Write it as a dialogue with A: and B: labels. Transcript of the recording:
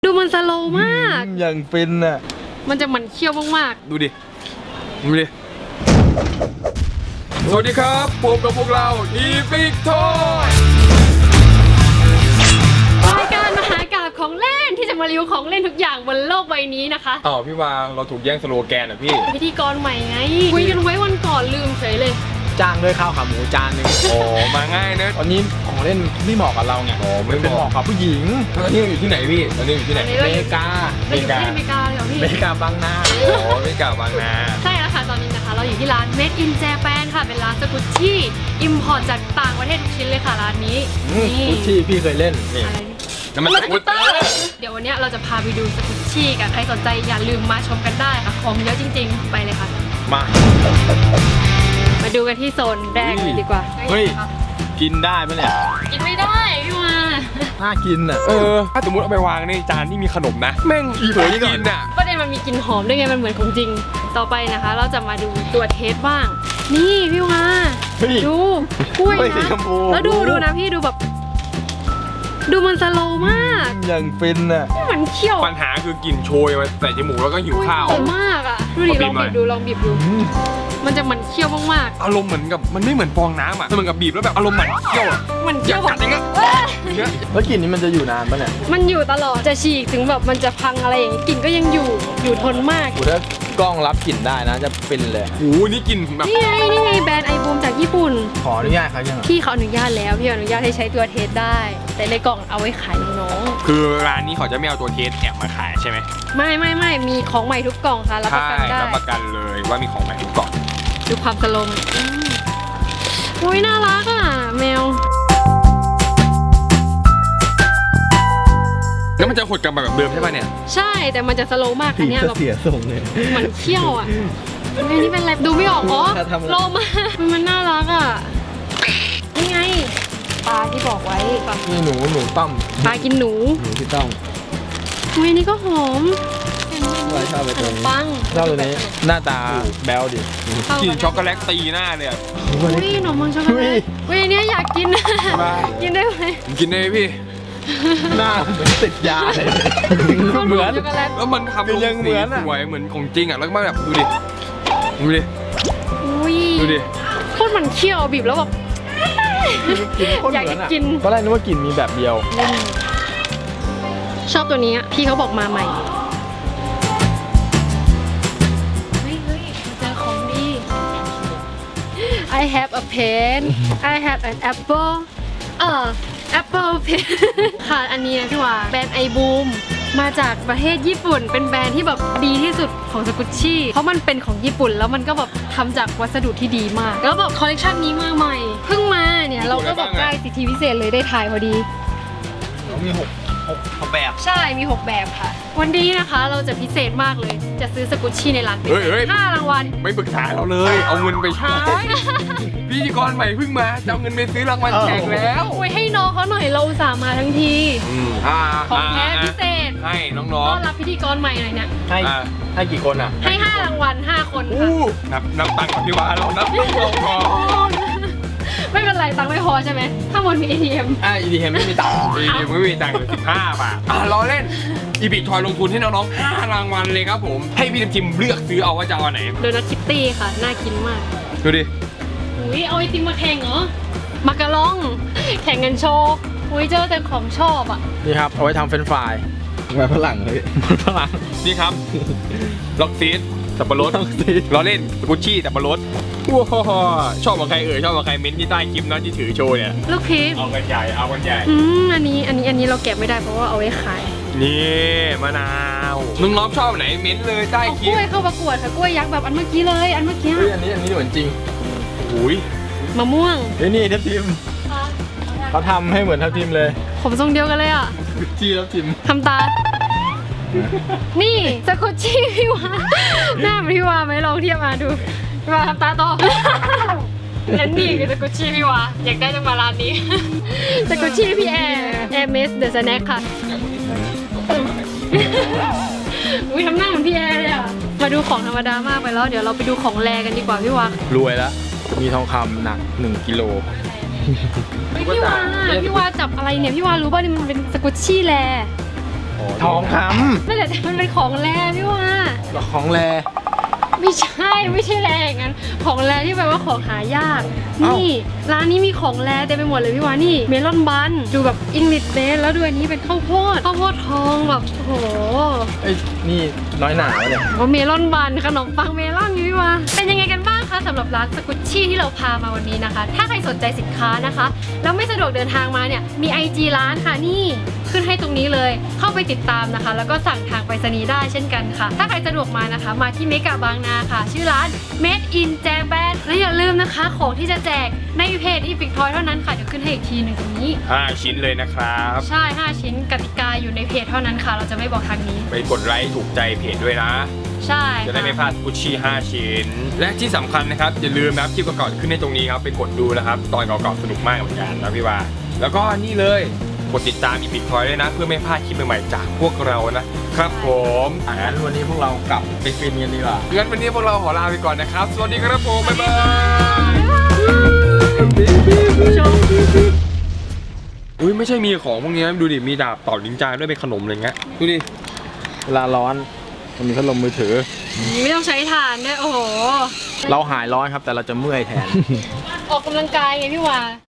A: ดูมันสโลว์มาก
B: อย่างฟินอ่ะ
A: มันจะมันเคี้ยวมาก
C: ดูดิสวัสดีครับพบกับพวกเราอีพิกทอย
A: รายการมหากาพย์ของเล่นที่จะมารีวิวของเล่นทุกอย่างบนโลกใบนี้นะคะ
C: พี่วางเราถูกแย่งสโลแกนอ่ะพี่
A: พิธีกรใหม่ไงคุยกันไว้วันก่อนลืมเฉยเลย
B: จ้างด้วยข้าวขาหมูจานนึง
C: โอ้มาง่ายเนอะ
B: ตอนนี้ของเล่นไม่เหมาะกับเราไง
C: ไม่เหมาะ
B: กับผู้หญิง
C: ตอนนี้อยู่ที่ไหนพี่ตอนนี้อยู่ที่ไหน
A: อเมริกาเราอยู่ที่อเมริกาเลยเหรอพี่
B: อเมริกาบางนา
C: อเมริกาบางนา
A: ใช่แล้วค่ะตอนนี้นะคะเราอยู่ที่ร้าน Made in Japan ค่ะเป็นร้านสกุชชี่อิมพอร์ตจากต่างประเทศทุกชิ้นเลยค่ะร้านนี้
B: สกุชชี่พี่เคยเล่น
C: นี่น้ำมันสกูตเตอร์
A: เดี๋ยววันนี้เราจะพาไปดูสกุชชี่กันใครสนใจอย่าลืมมาชมกันได้ค่ะของเยอะจริงๆไปเลยค่ะมาดูกันที่โซนแรกเลยดีกว่า
B: เฮ้ยกินได้ไหมเนี่ย
A: กินไม่ได้พี่มา
B: น่ากินอ่ะ
C: ถ้าสมมติเอาไปวางในจานที่มีขนมนะแม่งสวยกินอ่ะ
A: ประเด็นมันมีกลิ่นหอมด้วยไงมันเหมือนของจริงต่อไปนะคะเราจะมาดูตัวเทสบ้างนี่พี่มาดูกล้วยนะแล้วดูนะพี่ดูแบบดูมันสโลว์มาก
B: อย่างฟินอ่ะ
A: มันเคี้ยว
C: ปัญหาคือกลิ่นโชยมาใส่จมูกแล้วก็หิวข้าว
A: มากอ่ะดูดิลองบีบดูมันจะมันเคี้ยวมาก
C: ๆอารมณ์เหมือนกับมันไม่เหมือนฟองน้ำอ่ะมันเหมือนกับบีบแล้วแบบอารมณ์มันเคี้ยวอ่ะ
A: มันเคี้ยว
C: กัดอย่างเงี้ย
B: แล้วกลิ่นนี้มันจะอยู่นานปะเนี่ย
A: มันอยู่ตลอดจะฉีกถึงแบบมันจะพังอะไรอย่างงี้กลิ่นก็ยังอยู่ทนมาก
B: ถ้ากล้องรับกลิ่นได้นะจะฟินเลย
C: โอ้นี่กลิ่นแบบ
A: นี่ไงแบรนด์ไอบูมจากญี่ปุ่น
B: ขออนุญาตเขายัง
A: พี่เขาอนุญาตแล้วพี่อนุญาตให้ใช้ตัวเทสได้แต่ในกล่องเอาไว้ขายน้อง
C: คือร้านนี้เขาจะไม่เอาตัวเทสแอบมาขายใช่ไหม
A: ไม่มีของใหม่ทุกกล่องค่ะรับประกันได้
C: รับประกันเลยว่ามีของใหม่ทุกกล่อง
A: ดูความสโลว์อุ้ยน่ารักอ่ะแมว
C: แล้วมันจะหดกลับมาแบบเดิมใช่ป่ะเนี่ย
A: ใช่แต่มันจะสโลว์มากอันนี้แบบ
B: เสียส่งเลย
A: เหมือนเขี้ยวอ่ะอันนี้เป็นอะไรดูไม่ออกโลมามันน่ารักอ่ะนี่ไงปลาที่บอกไว้
B: นี่หนูต้อม
A: ปลากินหนู
B: ที่ต้อม
A: อุ้ยนี่ก็หอม
B: ชอบไปตรงนี้
A: ปัง
B: ชอบตัวนี้หน้าตาแบ๊วดิ
C: กินช็อกโกแลตตีหน้าเลยอ่ะ
A: อุ้ยขนมปังช็อกโกแลตอุ้ยอันนี้อยากกินกินได้ไหม
C: กินได้พี่
B: หน้าเหมือนติดยาเลยเหมือน
C: แล้วมันทำลงสีสวยเหมือนของจริงอ่ะแล้วก็แบบดูดิ
A: โคตรมันเคี้ยวบีบแล้วแบบอยากกิน
B: ตอนแรกนึกว่ากลิ่นมีแบบเดียว
A: ชอบตัวนี้พี่เขาบอกมาใหม่เฮ้ยเจอของดี I have a pen I have an apple Apple Pen ค่ะอันนี้นะพี่ว่าแบรนด์ไอบูมมาจากประเทศญี่ปุ่นเป็นแบรนด์ที่แบบดีที่สุดของสกุชชี่เพราะมันเป็นของญี่ปุ่นแล้วมันก็แบบทำจากวัสดุที่ดีมากแล้วแบบคอลเลคชันนี้มาใหม่เพิ่งมาเนี่ยเราก็แบบได้สิทธิพิเศษเลยได้ถ่ายพอดี
B: มี6แบบ
A: ใช่มี6แบบค่ะวันนี้นะคะเราจะพิเศษมากเลยจะซื้อสกุชชี่ในร้านเป็น5 รางวัล
C: ไม่ปรึกษาเราเลยเอาเงินไปใช้พิธีกรใหม่เพิ่งมาจะเอาเงินไปซื้อรางวัลแจกแล้ว
A: ไว้ให้น้องเขาหน่อยเราอุตส่าห์มาทั้งทีของแท้พิเศษ
C: ให้น้องๆ
A: ต้อนรับพิธีกรใหม่หน่อยเนี่ย
B: ให้กี่คนอ่ะ
A: ให้5 รางวัล5 คนค่ะ
C: นับตังค์ก่อนพี่ว่าเรานับก่อน
A: ไม่เป็นไรตังค์ไม่พอใช่ไหมถ้ามันมี ATM
B: ATM ไม่มีตังค์
C: ATM ไม่มีตังค์15 บาทล้อเล่นอีบิททอยลงทุนให้น้องๆ5 รางวัลเลยครับผมให้พี่จิมเลือกซื้อเอาว่าจะเอาไหน
A: โดนัทคิตตี้ค่ะน่ากินมาก
C: ดูดิ
A: อุ้ยเอาไอติมมาแข่งเหรอมาการองแข่งกันโชว์อุ้ยเจอแต่ของชอบอ่ะ
B: นี่ครับเอาไว้ทำเฟรนช์ฟรายแบบฝรั่งเลยฝรั่ง
C: นี่ครับล็อกซีดสับปะรดล้อเล่นกุชชี่สับปะรดว้าชอบกับใครชอบกับใครเม้นที่ใต้คลิปนะที่ถือโชว์เนี่ย
A: ลูกพีช
C: เอากันใหญ่
A: อันนี้เราแกะไม่ได้เพราะว่าเอาไว้ขาย
C: นี่มะนาวน้องชอบไหนเม้นเลยใต้คลิป
A: กล้วยเข้าประกวดค่ะกล้วยยักษ์แบบอันเมื่อกี้เลยอันเมื่อกี้
B: อันนี้เหมือนจริง
C: อุ้ย
A: มะม่วง
B: นี่ทับทิมเขาทำให้เหมือนทับทิมเลย
A: ผมทรงเดียวกันเลยอ่ะ
B: จี้ทับทิม
A: ทำตานี่สกุชชี่พี่วาหน้าพี่วาไหมลองเทียบมาดูพี่วาทำตาต่อและนี่คือสกุชชี่พี่วาอยากได้ต้องมาร้านนี้สกุชชี่พี่แอร์เมสเดอะสแน็คค่ะอุ้ยทำหน้าเหมือนพี่แอร์เลยอ่ะมาดูของธรรมดามากไปแล้วเดี๋ยวเราไปดูของแรกันดีกว่าพี่วาร
B: วยแล้วมีทองคำหนัก1 กิโล
A: พี่วาจับอะไรเนี่ยพี่วารู้ป่ะนี่มันเป็นสกุชชี่แล
B: ทองค
A: นั่นแหละแต่มันเป็นของแรพี่ว่า
B: ำของแร
A: ไม่ใช่แรอย่างนั้น ของแรที่แปลว่าของหายาก
B: เอ้า
A: นี่ร้านนี้มีของแรเต็มไปหมดเลยพี่ว่านี่เมลอนบันดูแบบอิงลิชเบสแล้วดูอันนี้เป็นข้าวโพดทองแบบโอ้โห
B: เอ้ยนี่น้อยหนาวะเนี่ย
A: ว่าเมลอนบันขนมปังเมลอนพี่ว่าเป็นยังไงกันบ้างคะสำหรับร้านสกุชชี่ที่เราพามาวันนี้นะคะ ถ้าใครสนใจสินค้านะคะแล้วไม่สะดวกเดินทางมาเนี่ยมี IG ร้านค่ะนี่ขึ้นให้ตรงนี้เลยเข้าไปติดตามนะคะ แล้วก็สั่งทางไปรษณีย์ได้เช่นกันค่ะ ถ้าใครสะดวกมานะคะ มาที่เมกะบางนาค่ะ ชื่อร้าน Made in Japan และอย่าลืมนะคะของที่จะแจกในเพจ Epic Toy เท่านั้นค่ะเดี๋ยวขึ้นให้อีกทีหนึ่งตรงนี้
C: 5 ชิ้นเลยนะครับ
A: ใช่ 5 ชิ้นกติกาอยู่ในเพจเท่านั้นค่ะ เราจะไม่บอกทางนี้
C: ไปกดไลค์ถูกใจเพจด้วยนะ
A: ใช่
C: จะได้ไม่พลาดกุชชี่ 5 ชิ้น และที่สำคัญนะครับ อย่าลืมนะครับคลิปก่อนๆขึ้นในตรงนี้ครับ ไปกดดูนะครับ ตอนเก่าๆสนุกมากเหมือนกันนะพี่ว่า แล้วก็นี่เลย กดติดตามอีพิกทอยด้วยนะ เพื่อไม่พลาดคลิปใหม่ๆจากพวกเรานะครับผม
B: งั้นวันนี้พวกเรากลับไปฟินกันดีกว่า
C: งั้นวันนี้พวกเราขอลาไปก่อนนะครับ สวัสดีครับผม บ๊ายบาย อุ้ยไม่ใช่มีของพวกนี้นะดูดิ มีดาบต่อนินจาด้วยเป็นขนมอะไรเงี้ย ดูดิ
B: เวลาร้อนมันมีพัดลมมือถือ
A: ไม่ต้องใช้ถ่านด้วยโอ้โห
B: เราหายร้อนครับแต่เราจะเมื่อยแทน
A: ออกกำลังกายไงพี่วา